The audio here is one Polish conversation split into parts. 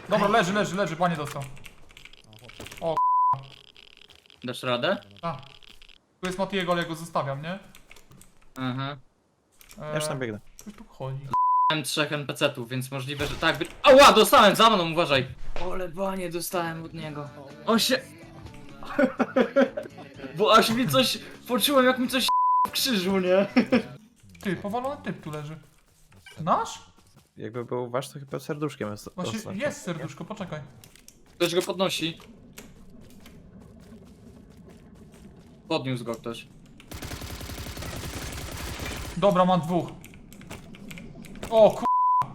Dobra, leży, panie dostał. O, Dasz radę? a. Tu jest Matiego, ale ja go zostawiam, nie? Aha. Ja już tam biegnę. Coś tu chodzi. Miałem 3 NPC-ów, więc możliwe, że tak. Ała, dostałem za mną, uważaj! Ole, banie dostałem od niego. On się... Bo aż mi coś... Poczułem, jak mi coś w krzyżu, nie? Ty, powalony typ tu leży. Nasz? Jakby był wasz, to chyba serduszkiem jest. Właśnie oznaczone. jest serduszko, poczekaj. Ktoś go podnosi. Podniósł go ktoś. Dobra, mam dwóch. O ku...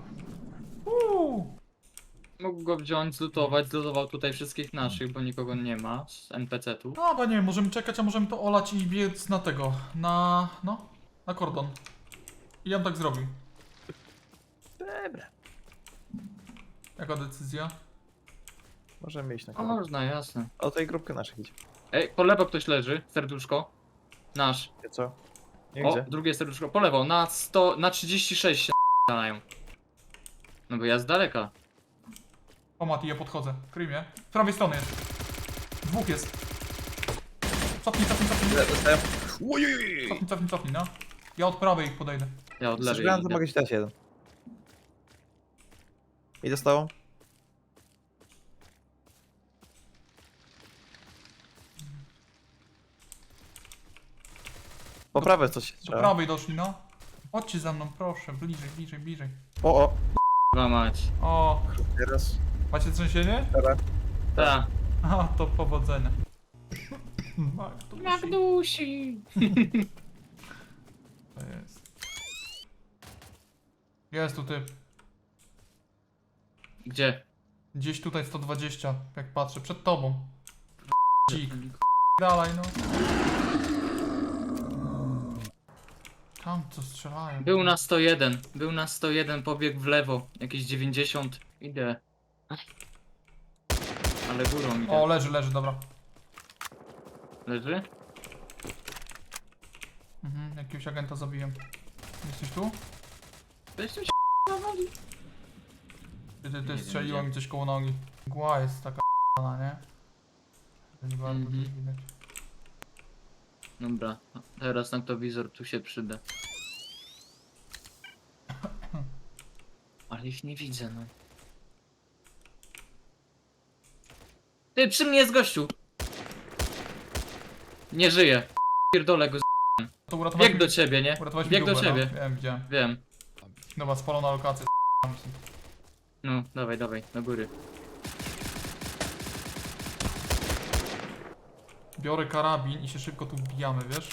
Mógł go wziąć, zlutować, zlutował tutaj wszystkich naszych, bo nikogo nie ma z NPC-tu. No, bo nie wiem, możemy czekać, a możemy to olać i biec na tego. Na... no. Na kordon. I ja bym tak zrobił. Dobra. Jaka decyzja? Możemy iść na O, kolor. można, jasne. O tej grupkę naszych idzie. Ej, po lewo ktoś leży, serduszko. Nasz. Wie co? Nie O, gdzie? drugie serduszko, po lewo, na 100, na 36 się dają. No bo ja z daleka. O Mati, ja podchodzę. Kryj mnie. Z prawej strony jest. Dwóch jest. Cofnij, Dostałem. Ojojoj! cofnij, no. Ja od prawej ich podejdę. Ja od Chcesz lewej granat, to idę. mogę ci dać jeden. I dostałem? Po prawej coś się Do strzela. prawej doszli, no. Chodźcie za mną, proszę. Bliżej. O, Chyba mać. O, teraz. macie trzęsienie? Dobra. Ta. A, to powodzenia. Magdusi. To jest. Jest tu typ. Gdzie? Gdzieś tutaj 120, jak patrzę. Przed tobą. Dzik. Dalej, no. Tam co strzelają. Był na 101, pobiegł w lewo. Jakieś 90. Idę. Ale górą idę. O, leży, dobra. Leży? Jakiegoś agenta zabiłem. Jesteś tu? Weź tu się nawali. Ty wiem, strzeliło gdzie. mi coś koło nogi. Mgła jest taka nie? To nie bardzo Mhm. widać. Dobra, teraz noktowizor tu się przyda. Ale ich nie widzę, no. Ty, przy mnie jest gościu! Nie żyje. Pierdolę go z... To uratowałeś Bieg do ciebie, nie? uratowałeś Bieg mi do dupę, ciebie. No. Widziałem. Wiem. Dobra, spalona lokacja. No, dawaj, do góry. Biorę karabin i się szybko tu wbijamy, wiesz?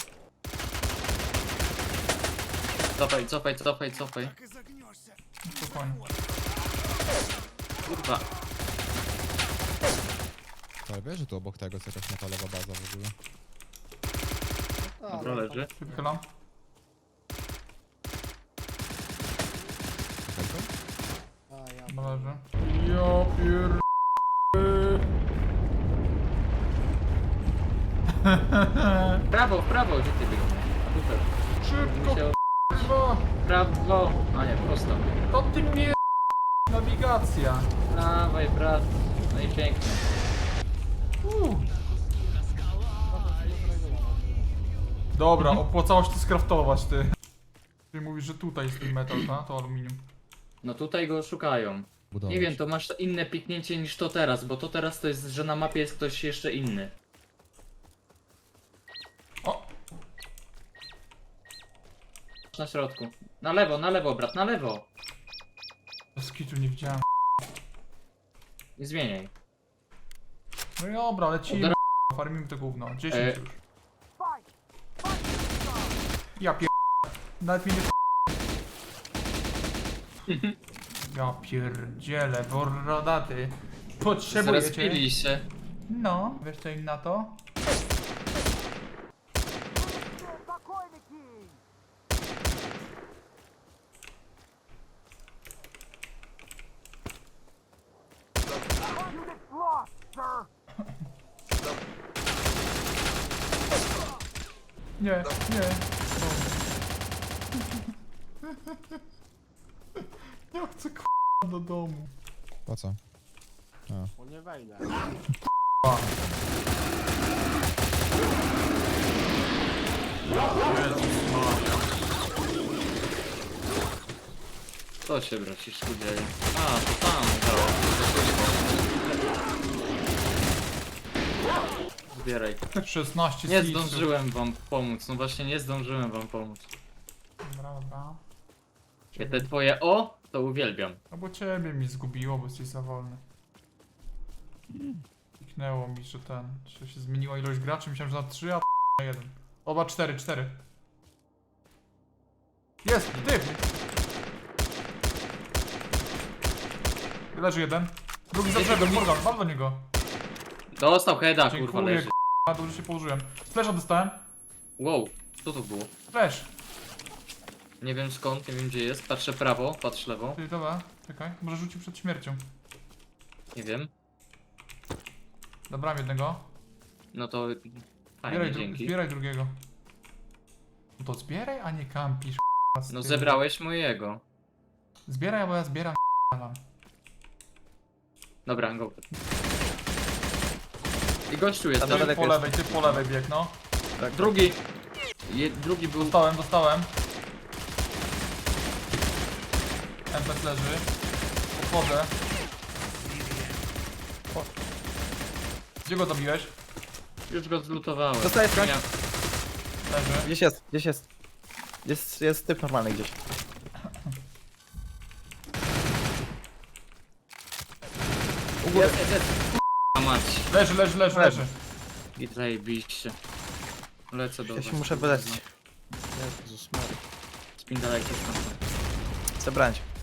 Cofaj. Spokojnie. Kurwa. Ale wiesz, że tu obok tego jest jakaś metalowa baza w ogóle. Dobra, leży. Się wychylam. Czekaj to? Dobra, leży. Ja pier... W prawo, gdzie ty biegniesz? A tutaj. Szybko, Musiał- k***wa! Prawo. A nie, prosto. To ty mnie... Nawigacja. Dawaj, brat. No i pięknie. Dobra, opłacało się to skraftować, ty. Ty mówisz, że tutaj jest ten metal, ta? To aluminium. No tutaj go szukają. Budować. Nie wiem, to masz inne piknięcie niż to teraz, bo to teraz to jest, że na mapie jest ktoś jeszcze inny. O! Na środku. Na lewo, brat, na lewo. Z kitu nie widziałem. Nie zmieniaj. No i dobra, lecimy. Dobra. Farmimy to gówno. 10 E. już. Ja pier... Nawet mnie nie... Ja pierdzielę, borrodaty. Potrzebujecie... Zrespili się. No, wiesz co im na to? Nie. Ja chcę k***a do domu. Po co? Bo nie wejdę. Jezus Maria. Co się braciszku dzieje? A, to tam działa. Zbieraj. 16 Nie seedsów. zdążyłem wam pomóc, no właśnie nie zdążyłem wam pomóc. Dobra, dobra. Ja te twoje o, to uwielbiam. No bo ciebie mi zgubiło, bo jesteś za wolny. Kliknęło mi, że że się zmieniła ilość graczy, myślałem, że na 3, a na 1. Oba 4. Jest, typ! Leży jeden. Drugi za brzegiem, Morgan, wal do niego. Dostał heada, kurwa, Dziękuję, leży. k***a, dobrze się położyłem. Flesza dostałem. Wow, co to było? Flash. Nie wiem skąd, nie wiem gdzie jest. Patrzę prawo, patrz lewo. Ty, dobra, czekaj, może rzucił przed śmiercią. Nie wiem. Zabrałem jednego. No to fajnie, dzięki. Zbieraj drugiego. No to zbieraj, a nie kampisz. No zebrałeś mojego. Zbieraj, bo ja zbieram mam. Dobra, go. I gościu jest. Tam też. daleko Ty po lewej bieg, no. Tak. Drugi. Drugi był. Dostałem. MPS leży. Podchodzę. Gdzie go dobiłeś? Już go zlutowałem. Dostaję skądś. Leży. Gdzieś jest. Jest typ normalny gdzieś. Jest. A mać. Leży. Zajebiście. Lecę do Ja was. się muszę wyleczyć. Jezus Maria. Spindalajcie stąd. Zebrałem cię.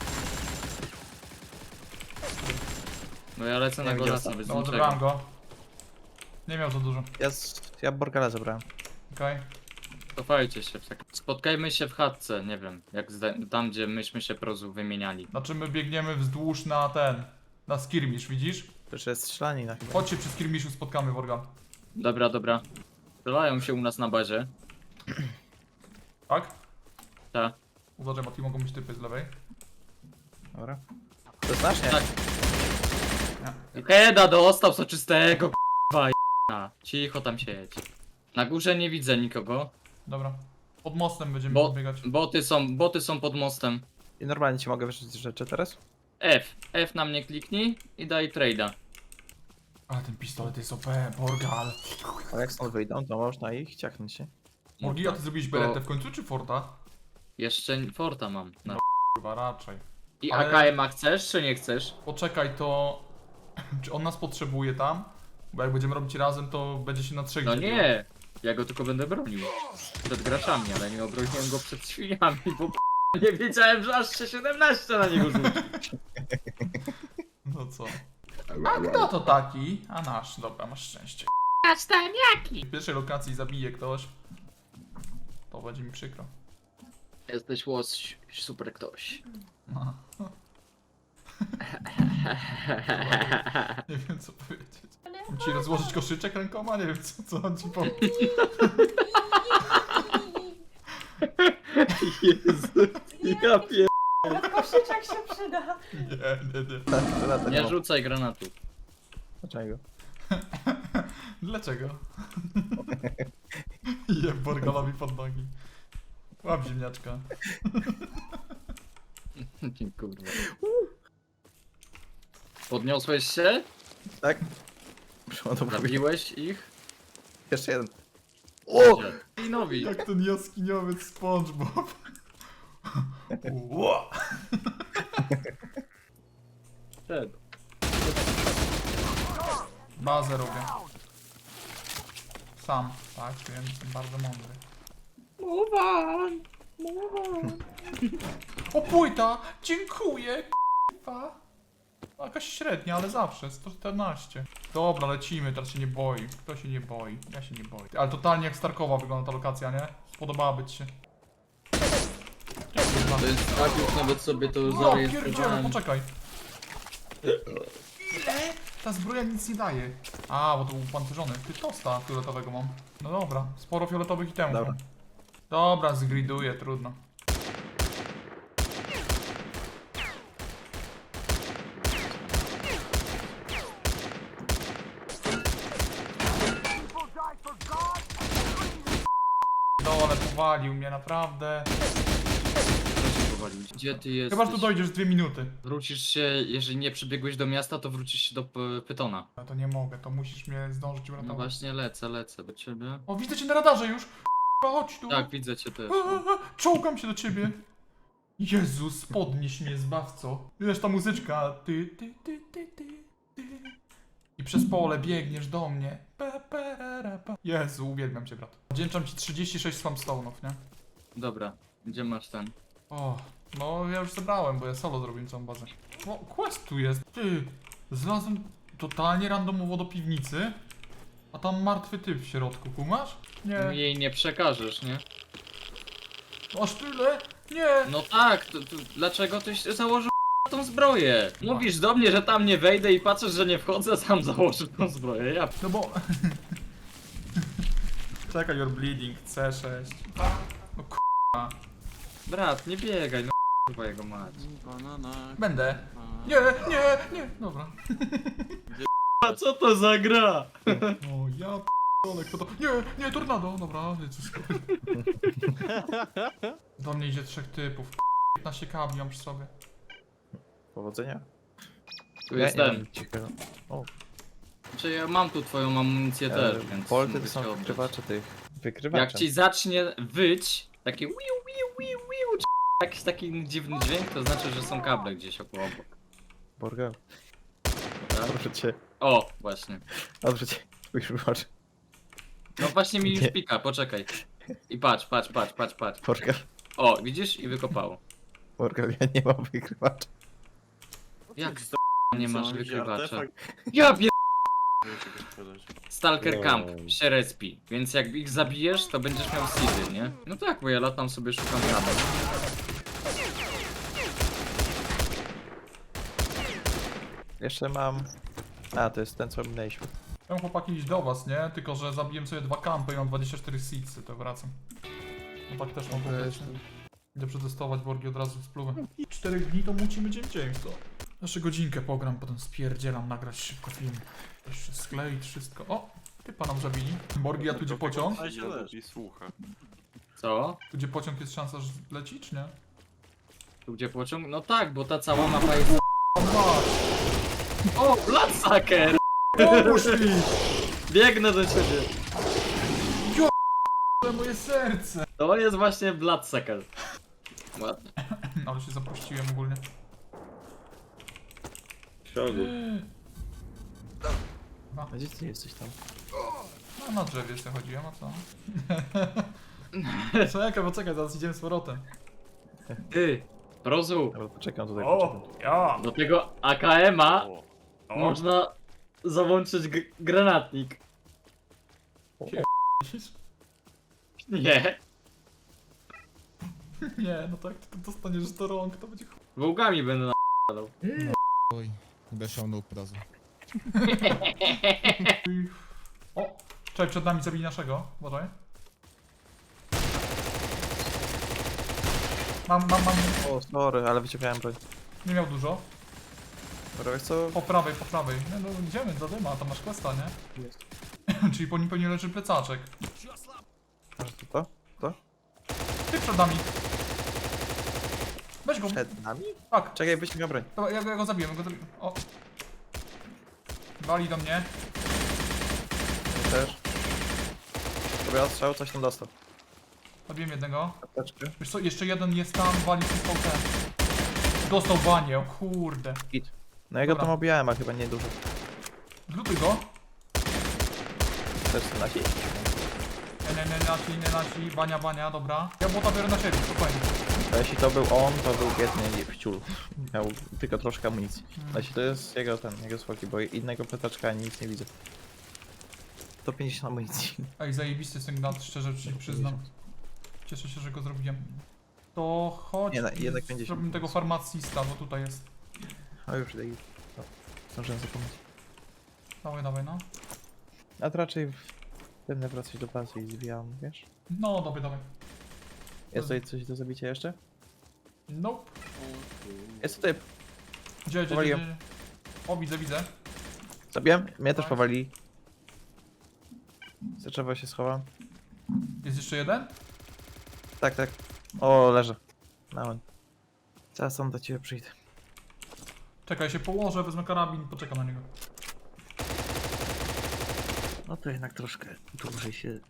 No ja lecę Nie na wiem, golasa, gdzie bez No, niczego. zebrałem go. Nie miał za dużo. Ja Borgala zebrałem. Okej. Cofajcie się. Spotkajmy się w chatce, nie wiem. Jak tam, gdzie myśmy się prozu wymieniali. Znaczy my biegniemy wzdłuż na na skirmish, widzisz? Przecież jest strzelanina chyba. Chodźcie przy skirmishu, spotkamy Worga. Dobra. Strzelają się u nas na bazie. Tak? Tak. Uważaj, Mati, mogą być typy z lewej. Dobra. To znasz, nie? Tak. Heda dostał soczystego, k***a. Cicho tam siedź. Na górze nie widzę nikogo. Dobra. Pod mostem będziemy Bo, podbiegać. boty są pod mostem. I normalnie ci mogę wyrzucić rzeczy teraz? F na mnie kliknij i daj trade'a. Ale ten pistolet jest OP, Borgal. A jak stąd wyjdą, to można ich ciachnąć się. Morgi, a ty zrobiłeś beretę w końcu, czy Forta? Jeszcze Forta mam. No. Chyba raczej. I Ale- AKM-a chcesz, czy nie chcesz? Poczekaj, to... Czy on nas potrzebuje tam? Bo jak będziemy robić razem, to będzie się na trzech No dzieliło. nie, ja go tylko będę bronił. Przed graczami, ale nie obroniłem go przed świniami, bo nie wiedziałem, że aż się 17 na niego rzuci. No co? A kto to taki? A nasz, dobra, masz szczęście. W pierwszej lokacji zabije ktoś. To będzie mi przykro. Jesteś łoś, super ktoś. No. Nie wiem co powiedzieć. Mam ci rozłożyć koszyczek rękoma? Nie wiem co on ci powie. Jezu, ja pier... Koszyczek się przyda. Nie. Nie rzucaj granatów. Dlaczego? Dlaczego? Je Borgalowi pod nogi. Łap ziemniaczka. Kurwa. Podniosłeś się? Tak? Przeładowuję. Zabiłeś ich? Jeszcze jeden. O! I nowi. Jak ten jaskiniowiec SpongeBob. Ło! Przed. Bazę robię. Sam, tak? Wiem, jestem bardzo mądry. O płyta! Dziękuję! K***a. Jakaś średnia, ale zawsze, 114. Dobra, lecimy, teraz się nie boi. Kto się nie boi? Ja się nie boję. Ale totalnie jak Starkowa wygląda ta lokacja, nie? Spodobałaby ci się. To jest tak, już nawet sobie to No pierdziele, zarejestrowałem. poczekaj. Ile? Ta zbroja nic nie daje. A, bo to był pancerzony. Ty tosta fioletowego mam. No dobra, sporo fioletowych itemów. Dobra. mam. Dobra, zgriduję, trudno. ale powalił mnie, naprawdę. Kto cię powalił? Gdzie ty jesteś? Chyba, że tu dojdziesz 2 minuty. Wrócisz się, jeżeli nie przybiegłeś do miasta, to wrócisz się do Pytona. No to nie mogę, to musisz mnie zdążyć No uratować. właśnie lecę do ciebie. O, widzę cię na radarze już. Chodź tu. Tak, widzę cię też. Czołgam się do ciebie. Jezus, podnieś mnie, zbawco. Wiesz, ta muzyczka. Ty. I przez pole biegniesz do mnie. Jezu, uwielbiam cię, brat. Wdzięczam ci 36 spamstone'ów, nie? Dobra, gdzie masz ten? O, no ja już zebrałem, bo ja solo zrobiłem całą bazę. O, quest tu jest. Ty, znalazłem totalnie randomowo do piwnicy, a tam martwy typ w środku, kumasz? Nie. Jej nie przekażesz, nie? Aż tyle? Nie. No tak, dlaczego tyś założył tą zbroję? Mówisz do mnie, że tam nie wejdę i patrzysz, że nie wchodzę, sam założył tą zbroję. Ja No bo... Czekaj, you're bleeding, C6. No brat, nie biegaj, no chyba jego mać. Banana. będę. Nie, nie. Dobra. A co to za gra? O, ja p***ole, kto to... Nie, tornado. Dobra, Jezus. Do mnie idzie 3 typów. 15 kabli mam przy sobie. Powodzenia. Tu jest nie mam ten. nic ciekawego. O, Czy ja mam tu twoją amunicję też, więc Polty mogę to są się oddać. wykrywacze tych. Wykrywacze. Jak ci zacznie wyć, takie wiu, czy jakiś taki dziwny dźwięk, to znaczy, że są kable gdzieś obok. Borgał. Tak? Proszę cię. O, właśnie. Dobrze cię. Spójrz, wybacz. No właśnie mi już Nie. pika, poczekaj. I patrz. Borgał. O, widzisz? I wykopało. Borgał, ja nie mam wykrywacza. Jak to nie masz Co, jakiś wykrywacza? artefakt? Ja pier... Czegoś sprzedać. Stalker No. Camp się respi, więc jak ich zabijesz, to będziesz miał seedy, nie? No tak, bo ja latam sobie szukam jabłek. Jeszcze mam... A, to jest ten, co minęliśmy. Ja mam chłopaki iść do was, nie? Tylko, że zabiłem sobie 2 kampy i mam 24 seedsy, to wracam. No tak też mam powiedzieć. Idę przetestować Borgi od razu z pluwem. 4 dni to mucimy dzień w dzień, co? Jeszcze godzinkę pogram, potem spierdzielam nagrać szybko film. Jeszcze skleić wszystko. O! Typa nam zabili. Borgi, a tu gdzie pociąg? A się lepiej słucha. Co? Tu gdzie pociąg jest szansa, że leci, czy nie? Tu gdzie pociąg? No tak, bo ta cała mapa jest... O, masz! O, Bloodsucker! Pomóż mi! Biegnę do ciebie! To moje serce! To jest właśnie Bloodsucker. Ładnie. Ale się zapuściłem ogólnie. A gdzie ty jesteś tam? No na drzewie sobie chodziłem, a co? Czekaj, bo czekaj, zaraz idziemy z powrotem. Ty, Prozu, Dobra, poczekam tutaj. Ja! do tego AKM-a O, można załączyć granatnik. Nie, Nie, no tak, tylko dostaniesz do rąk, to będzie chuj. wołgami będę na***ał. Oj, będę siał nóg od razu. O! Czekaj, przed nami zabili naszego, uważaj. Mam. O, sorry, ale wyciągałem broń. Nie miał dużo. Dobra, wiesz co? Po prawej. Nie no, idziemy do dyma, tam masz questa, nie? Jest. Czyli po nim pewnie leży plecaczek. Masz to? To? Ty przed nami. Weź go. Przed nami? Tak, Czekaj, wyciągam broń. dobra, ja go zabiję, O. Wali do mnie. Też. Dobra, odstrzał, coś tam dostał. Zabiłem jednego. Apteczkę. Wiesz co, jeszcze jeden jest tam, wali przez VT. Dostał banie, o kurde. No ja go Dobra. tam obijałem, a chyba nie dużo. Zlutuj go. Też są nasi? Nie nasi, bania, dobra. Ja bota biorę na siebie, spokojnie. A jeśli to był on, to był biedny wciul. Miał tylko troszkę amunicji. A jeśli to jest jego słoki, bo innego petaczka nic nie widzę. 150 amunicji. Ej, zajebisty jest ten gnat, szczerze ci przyznam. Cieszę się, że go zrobiłem. To chodź, Nie, jednak 50. zrobimy tego farmacista, bo tutaj jest. A już daj. No, zdążyłem zapomnieć. Dawaj, no. A to raczej będę wracać do bazy i zwijam, wiesz? No, dawaj. Jest tutaj coś do zabicia jeszcze? Nope. Jest to typ. Gdzie? Powaliłem. O, widzę. Zabiłem? Mnie też Tak. powali. Za drzewo się schowam. Jest jeszcze jeden? Tak, tak. O, leżę. Nałem. Zaraz sam do ciebie przyjdę. Czekaj, się położę, wezmę karabin, poczekam na niego. No to jednak troszkę dłużej się...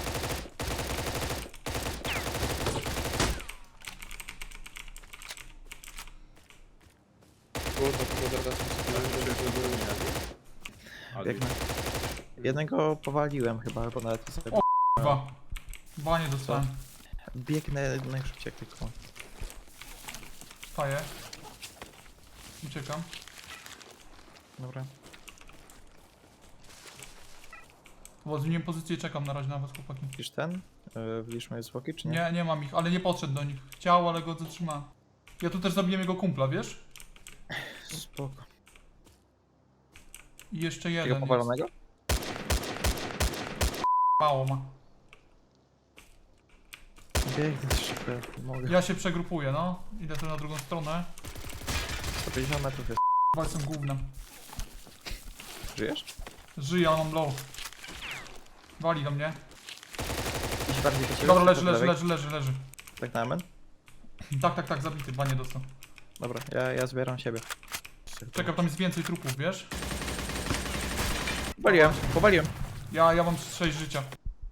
Biegnę. Jednego powaliłem chyba, albo nawet nie sobie... Dwa. Banie dostałem. Biegnę najszybciej jak tylko. Faję. Uciekam. Dobra. Bo zmieniłem pozycję i czekam na razie na was, chłopaki. Widzisz ten? Widzisz moje zwłoki, czy nie? Nie, nie mam ich, ale nie podszedł do nich. Chciał, ale go zatrzymałem. Ja tu też zabiłem jego kumpla, wiesz? Spoko. I jeszcze Tego jeden jest. powalonego? Mało ma. Biegnę szybko, jak mogę. Ja się przegrupuję, no. Idę tu na drugą stronę. 150 metrów jest. Chyba jestem gównem. Żyjesz? Żyję, ale mam low. Wali do mnie. Idź bardziej do ciebie. Dobra, po leży, leży, lewej. leży. Tak na amen? Tak, zabity, banie dostał. Dobra, ja zbieram siebie. Czekam, tam jest więcej trupów, wiesz? Powaliłem. Ja mam 6 życia.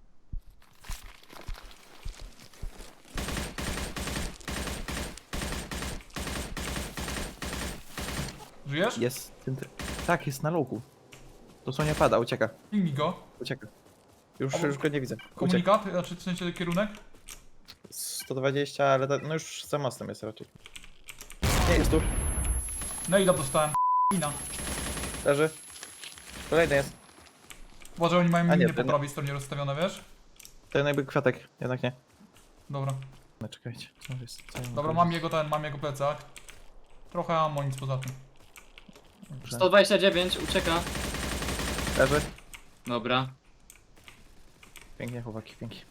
Żyjesz? Jest. Tak, jest na luku. Dosłownie pada, ucieka. Pingi go. Ucieka. Już go nie widzę. Ucieka. Komunikat, znaczy w sensie kierunek? 120, ale no już za mostem jest raczej. Nie, jest tu. No i dostałem. Mina. Leży. Kolejny jest. Uważaj, oni mają A nie, miny po ten- prawej stronie rozstawione, wiesz? Ten jakby kwiatek, jednak nie. Dobra. No czekajcie. Co jest? Co ja Dobra, mam jego plecak. Trochę ammo, nic poza tym. Dobrze. 129, ucieka. Leży. Dobra. Pięknie, chłopaki, pięknie.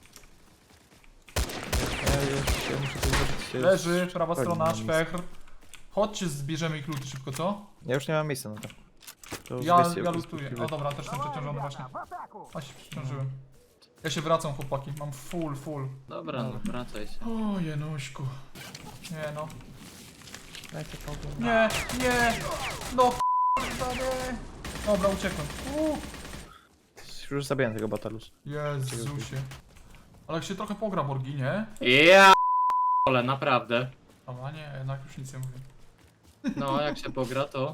Ja muszę tu zrobić... Leży, prawa Chodź, strona, mam miejsce. szpechr. Chodźcie, zbierzemy ich luty szybko, co? Ja już nie mam miejsca na to. To Ja zbierzcie- lutuję. O dobra, też jestem przeciążony właśnie. A się przeciążyłem. Ja się wracam, chłopaki, mam full. Dobra, no wracaj się. O, Jenuśku. Nie no. Dajcie pokój. Nie. No k***a, nie. Dobra, uciekłem. Już zabiłem tego batalus. Jezusie. Ale jak się trochę pogra Borgi, nie? Ja ale naprawdę. A nie, jednak już nic nie mówię. No, jak się pogra, to...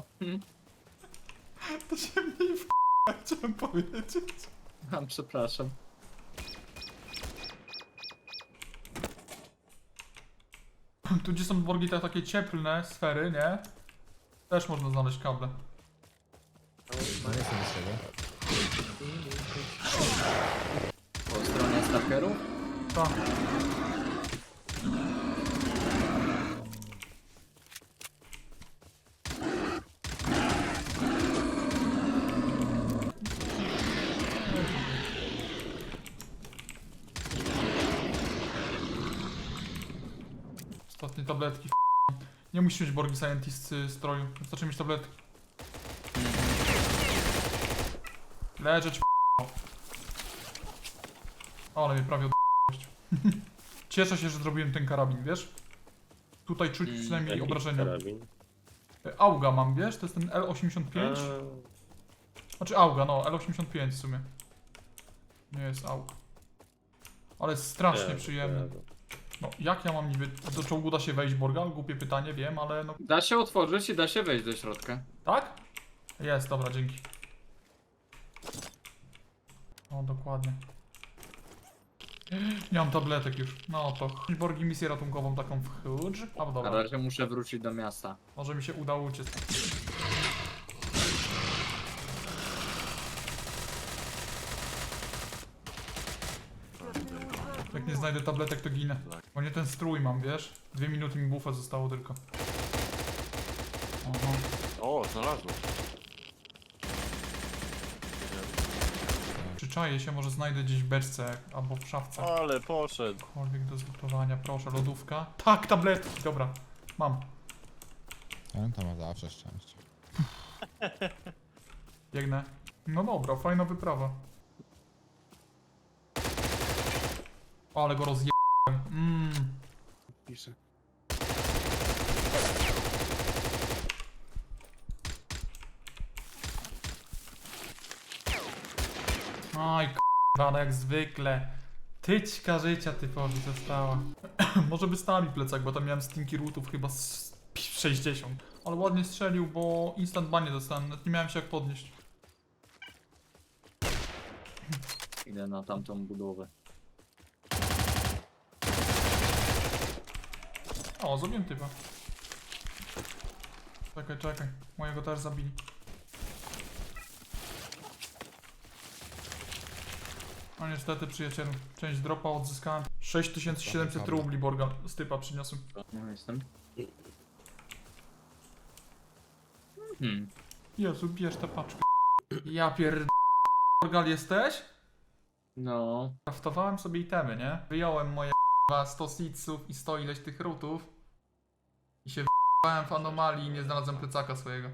To się mniej w chciałem powiedzieć. Przepraszam. Tu gdzie są Borgi, te takie cieplne sfery, nie? Też można znaleźć kable. No nie jestem z tego. Po stronie stalkerów? Tak. Ostatnie tabletki. Nie musisz mieć Borgi Scientist stroju. Wystarczy mieć tabletki. Leżeć. Ale mnie prawie od... Cieszę się, że zrobiłem ten karabin, wiesz? Tutaj czuć przynajmniej obrażenia. Auga mam, wiesz? To jest ten L85. Znaczy Auga, no, L85 w sumie. Nie jest Aug. Ale jest strasznie przyjemny. No, jak ja mam niby... Do czołgu da się wejść, Borgal? Głupie pytanie, wiem, ale no... Da się otworzyć i da się wejść do środka. Tak? Jest, dobra, dzięki. O, dokładnie. Nie mam tabletek już. No to Borgi misję ratunkową taką w Hudge. A Na dobra, razie muszę wrócić do miasta. może mi się udało uciec. Jak nie znajdę tabletek, to ginę. Bo nie ten strój mam, wiesz? 2 minuty mi buffa zostało tylko. Oho. O, znalazłem. Przyczaję się, może znajdę gdzieś w beczce albo w szafce. Ale poszedł. Cokolwiek do zlutowania, proszę, lodówka. Tak, tabletki, dobra. Mam. On to ma zawsze szczęście. Biegnę. No dobra, fajna wyprawa. Ale go rozjebałem. Oj, k***a, no jak zwykle. Tyćka życia typowi została. Może by stali plecak, bo tam miałem stinky rootów chyba z 60. Ale ładnie strzelił, bo instant banie dostałem, nawet nie miałem się jak podnieść. Idę na tamtą budowę. O, zrobiłem typa. Czekaj. Mojego też zabili. No niestety, przyjacielu. Część dropa odzyskałem. 6700 rubli Borgal z typa przyniosłem. No jestem. Jezu, bierz tę paczkę. Ja Borgal jesteś? No. Kraftowałem sobie itemy, nie? Wyjąłem moje 100 seedsów i 100 ileś tych rootów. I się w anomalii i nie znalazłem plecaka swojego.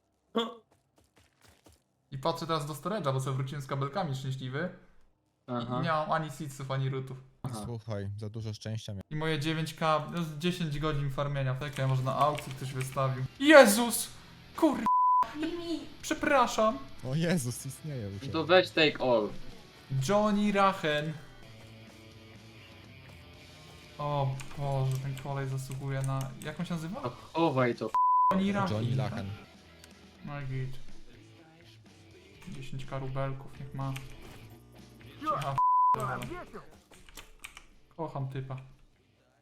I patrzę teraz do storage'a, bo sobie wróciłem z kabelkami szczęśliwy. Aha. I nie mam ani seedsów, ani rootów. Aha. Słuchaj, za dużo szczęścia miałem. I moje 9k, no z 10 godzin farmienia. Tak, ja może na aukcji ktoś wystawił. Jezus! Kur... Mimi! Przepraszam. O Jezus, istnieje już. No to weź take all. Johnny Rachen. O Boże, ten kolej zasługuje na... Jak on się nazywa? A chowaj to. Johnny Rachen. Johnny Lachen. No i git. 10 karubelków, niech ma. Aha, kocham typa.